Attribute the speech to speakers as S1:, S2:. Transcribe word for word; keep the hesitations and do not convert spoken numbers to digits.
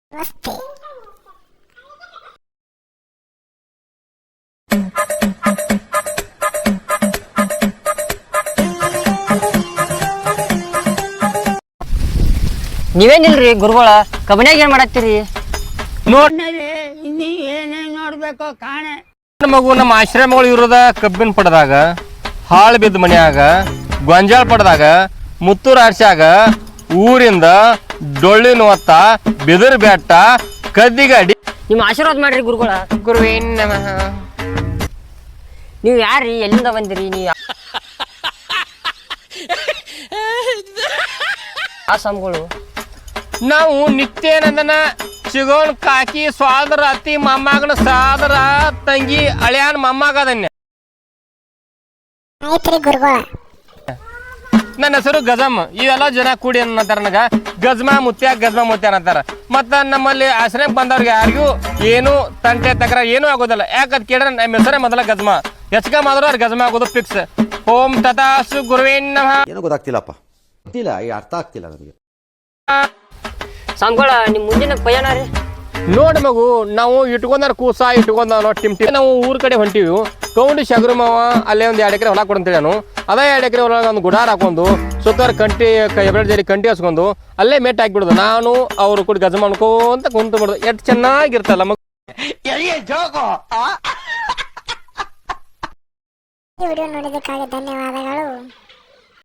S1: ನಮಸ್ತೆ.
S2: ನೀವೇನಿಲ್ರಿ ಗುರುಗಳ ಕಬನ್ಯಾಗ ಏನ್ ಮಾಡತ್ತೀರಿ?
S3: ನೋಡ್ನಲ್ಲಿ ಇನ್ನೀ ಏನೇನ್ ನೋಡ್ಬೇಕೋ ಕಾಣೆ.
S4: ಮಗು ನಮ್ಮ ಆಶ್ರಮಗಳು ಇರೋದ ಕಬ್ಬಿನ ಪಡದಾಗ, ಹಾಳು ಬಿದ್ದ ಮನ್ಯಾಗ, ಗೊಂಜಾಳ ಪಡದಾಗ, ಮುತ್ತೂರು ಆರ್ಸ್ಯಾಗ, ಊರಿಂದ ಡೊಳ್ಳಿನ ಹೊತ್ತ, ಬಿದಿರು ಬೆಟ್ಟ, ಕದ್ದಿಗಾಡಿ.
S2: ನಿಮ್ಮ ಆಶೀರ್ವಾದ ಮಾಡ್ರಿ ಗುರುಗಳ.
S4: ಗುರುವೇನ್ ನಮಃ.
S2: ನೀವು ಯಾರ್ರಿ? ಎಲ್ಲಿಂದ ಬಂದಿರಿ? ನೀವು ಆ ಸ್ವಾಮಿಗಳು
S4: ನಾವು ನಿತ್ಯಾನಂದನ ಸಿಗೋನ್ ಕಾಕಿ ಸ್ವಾದರ ಅತಿ ಮೊಮ್ಮಗನ ಸಾದರ ತಂಗಿ ಅಳಿಯಾನ ಮೊಮ್ಮಗದನ್ಯ.
S1: ಆಯ್ತ್ರಿ ಗುರುಗಳ.
S4: ನನ್ನ ಹೆಸರು ಗಜಮ್. ಇವೆಲ್ಲ ಜನ ಕೂಡಿ ಅನ್ನತಾರ ನನಗ ಗಜ್ಮಾ ಮುತ್ಯ ಗಜ್ಮಾ ಮುತ್ಯ ಅನ್ನತಾರ. ಮತ್ತ ನಮ್ಮಲ್ಲಿ ಆಶ್ರಮಕ್ಕೆ ಬಂದವ್ರಿಗೆ ಯಾರಿಗೂ ಏನು ತಂಟೆ ತಕರ ಏನೂ ಆಗೋದಿಲ್ಲ. ಯಾಕಂತ ಕೇಳಿದ್ರೆ ನಮ್ಮ ಹೆಸರೇ ಮೊದಲ ಗಜ್ಮಾ. ಹೆಚ್ಚಕ ಮಾಡಿದ್ರು ಅವ್ರು ಗಜ್ಮಾ ಆಗೋದು ಫಿಕ್ಸ್. ಓಂ ತಥಾಸ್ತು ಗುರುವೇನ್ ನಮಃ.
S5: ಏನೋ ಗೊತ್ತಾಗ್ತಿಲ್ಲಪ್ಪ, ಗೊತ್ತಿಲ್ಲ, ಈ ಅರ್ಥ ಆಗ್ತಿಲ್ಲ ನನಗೆ.
S2: ಸ್ವಾಮಿಗಳ ನಿಮ್ಮ ಮುಂದಿನ ಪಯಣ ರೀ?
S4: ನೋಡಿ ಮಗು, ನಾವು ಇಟ್ಕೊಂಡಾರ ಕೂಸ ಇಟ್ಕೊಂಡ ಟಿಮ್ ಟಿಮ್ ನಾವು ಊರ್ ಕಡೆ ಹೊಂಟಿವಿ. ಕೌಂಡಿ ಶಗರು ಮಾವ ಅಲ್ಲೇ ಒಂದು ಎರಡು ಎಕರೆ ಹೊಲ ಕೊಡಂತೇಳಿ ನಾನು ಅದೇ ಎರಡು ಎಕರೆ ಹೊಲ ಒಂದು ಗುಡಾರ ಹಾಕೊಂಡು ಸುತ್ತಾರ ಕಂಟಿ ಎರಡು ಜರಿ ಕಂಟಿ ಹಸ್ಕೊಂಡು ಅಲ್ಲೇ ಮೆಟ್ ಹಾಕಿಬಿಡೋದು. ನಾನು ಅವ್ರು ಕೂಡ ಗಜ ಮಾಡ್ಕೊಂತ ಕುಂತು ಬಿಡೋದು. ಎಷ್ಟು ಚೆನ್ನಾಗಿರ್ತಲ್ಲ ಮಗು.
S1: ಈ ವಿಡಿಯೋ ನೋಡಿದ್ದಕ್ಕಾಗಿ ಧನ್ಯವಾದಗಳು.